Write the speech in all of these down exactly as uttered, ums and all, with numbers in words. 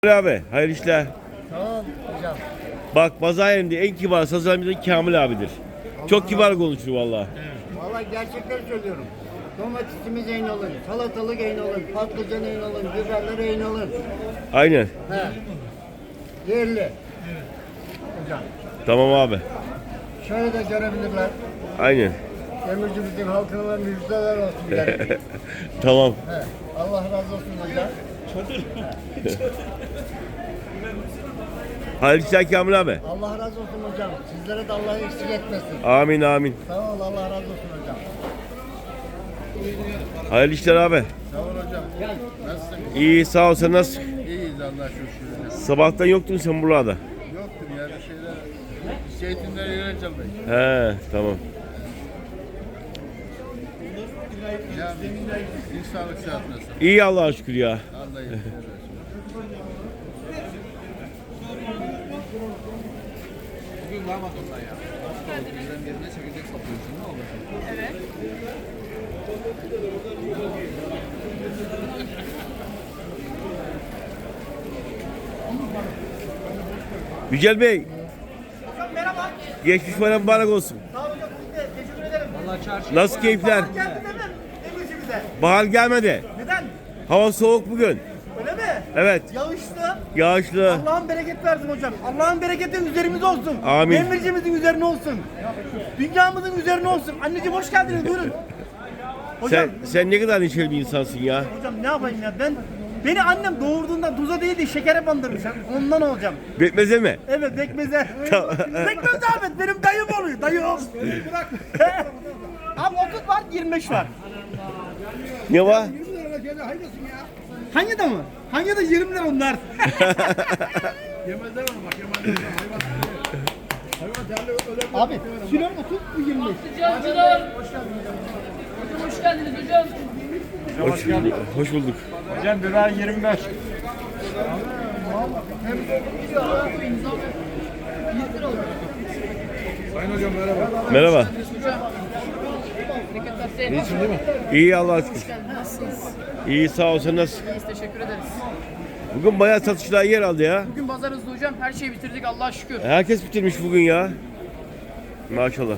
Abi, hayırlı işler. Tamam hocam. Bak pazar yerinde en kibar sazlarımızdan Kamil abidir. Çok kibar konuşur valla. Vallahi gerçekleri söylüyorum. Domatesimiz en alın, salatalık en alın, patlıcan en alın, biberler en alın. Aynen. He. Yerli. Hocam. Tamam abi. Şöyle de görebilirler. Aynen. Demircimizin halkına müjdeler olsun yani. Tamam. He. Allah razı olsun hocam. Hayırlı işler Kamil abi. Allah razı olsun hocam. Sizlere de Allah eksik etmesin. Amin amin. Sağ ol, Allah razı olsun hocam. Hayırlı işler abi. Sağ ol hocam. Nasılsın? İyi sağ ol, sen nasılsın? İyiyiz Allah'a şükür. Sabahtan yoktun sen buralarda. Yoktur ya bir şeyler. Zeytinler yöneteceğim ben. He tamam. Ya bir sağlık saat nasıl? İyi Allah'a şükür ya. Vallahi. Bugün var mı adamlar ya? Bizden birine çekecek satıyorsun ne olur? Evet. Yücel Bey. Merhaba. Geçmiş bayram mübarek olsun. Sağ olun hocam. Siz de teşekkür ederim. Vallahi çarşı. Nasıl keyifler? Bahar geldi değil mi? Demircimize. Bahar gelmedi. Neden? Hava soğuk bugün. Öyle mi? Evet. Yağışlı. Yağışlı. Allah'ın bereket versin hocam. Allah'ın bereketi üzerimize olsun. Amin. Demircimizin üzerine olsun. Dünyamızın üzerine olsun. Anneciğim hoş geldiniz. Buyurun. Hocam, Sen sen ne kadar neşeli bir insansın ya. hocam ne yapayım ya ben beni annem doğurduğunda tuza değil de şekere bandırmış. Ondan olacağım. Bekmeze mi? Evet bekmeze. Tamam. Bekmez Ahmet benim dayım oluyor. Dayım. Bırak. Abi otuz var yirmi beş var. Ne var? Hangi de mı? Hangi de yirmi lira onlar. Yemezler onu bak yemezler. Hayvan değerli öyle. Abi kilo otuz bu yirmi beş. Patlıcancılar. Hocam hoş geldiniz hocam. Hoş, hoş bulduk. Hocam biber yirmi beş. Sayın hocam merhaba. Merhaba. Bereketler senin. İyisin değil mi? İyi Allah'a şükür. Hoş geldiniz. Nasılsınız? İyi sağ ol, sen nasılsın? İyiyiz teşekkür ederiz. Bugün bayağı satışlar yer aldı ya. Bugün pazarınızda hocam her şeyi bitirdik Allah'a şükür. Herkes bitirmiş bugün ya. Maşallah.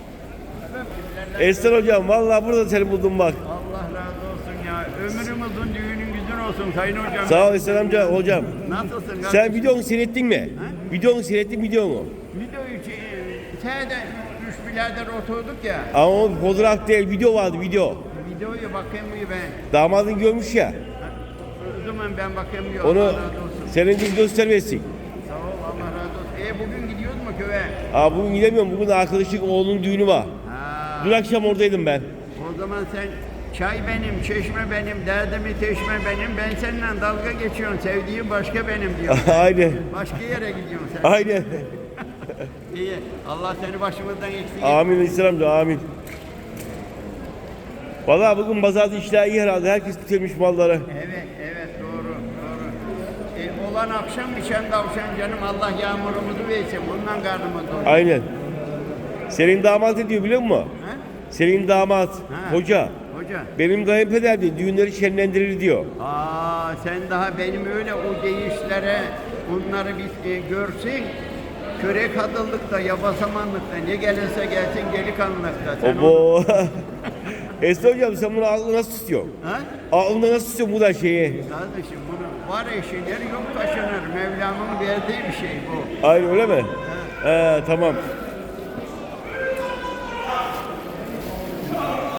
Esen hocam vallahi burada seni buldum bak. Allah razı olsun ya. Ömrüm uzun, düğünün güzün olsun Sayın Hocam. Sağ ol Esen amca hocam. Nasılsın? Sen videonu seyrettin mi? Videonu seyrettin videonu. Videoyu şeyde üç birader oturduk ya. Ama o fotoğraf değil, video vardı video. Videoyu bakayım mı ben? Damadın görmüş ya. O zaman ben bakayım mı? Onu Allah razı olsun. senin için göstermesin. Sağ ol Allah razı olsun. E bugün gidiyoruz mu köye? Aa bugün gidemiyorum. Bugün arkadaşın oğlunun düğünü var. Ha, Dün akşam oradaydım ben. o zaman sen çay benim, çeşme benim, derdimi teşme benim. Ben seninle dalga geçiyorum. Sevdiğim başka benim diyor. Aynen. Başka yere gidiyorsun sen. Aynen. İyi. Allah seni başımızdan eksik etmesin. Amin İslam amca amin. Vallahi bugün pazarda işler iyi herhalde. Herkes bitirmiş malları. Evet, evet doğru, doğru. E, olan akşam biçen tavşan canım Allah yağmurumuzu versin. Bundan karnımız doyuyor. Aynen. Senin damat ne diyor biliyor musun? Ha? Senin damat, Ha. hoca. Hoca. Benim kayınpeder diyor, düğünleri şenlendirir diyor. Aa sen daha benim öyle o deyişlere bunları biz e, görsün. Körek adıllıkta, yabasamanlıkta ne gelirse gelsin delikanlılıkta. Sen onu- Obo. Esra hocam sen bunu aklına nasıl tutuyorsun? Ha? Aklında nasıl tutuyorsun bu da şeyi? Kardeşim bunu var eşiler yok taşınır. Mevlam'ın verdiği bir şey bu. Aynen öyle mi? He tamam.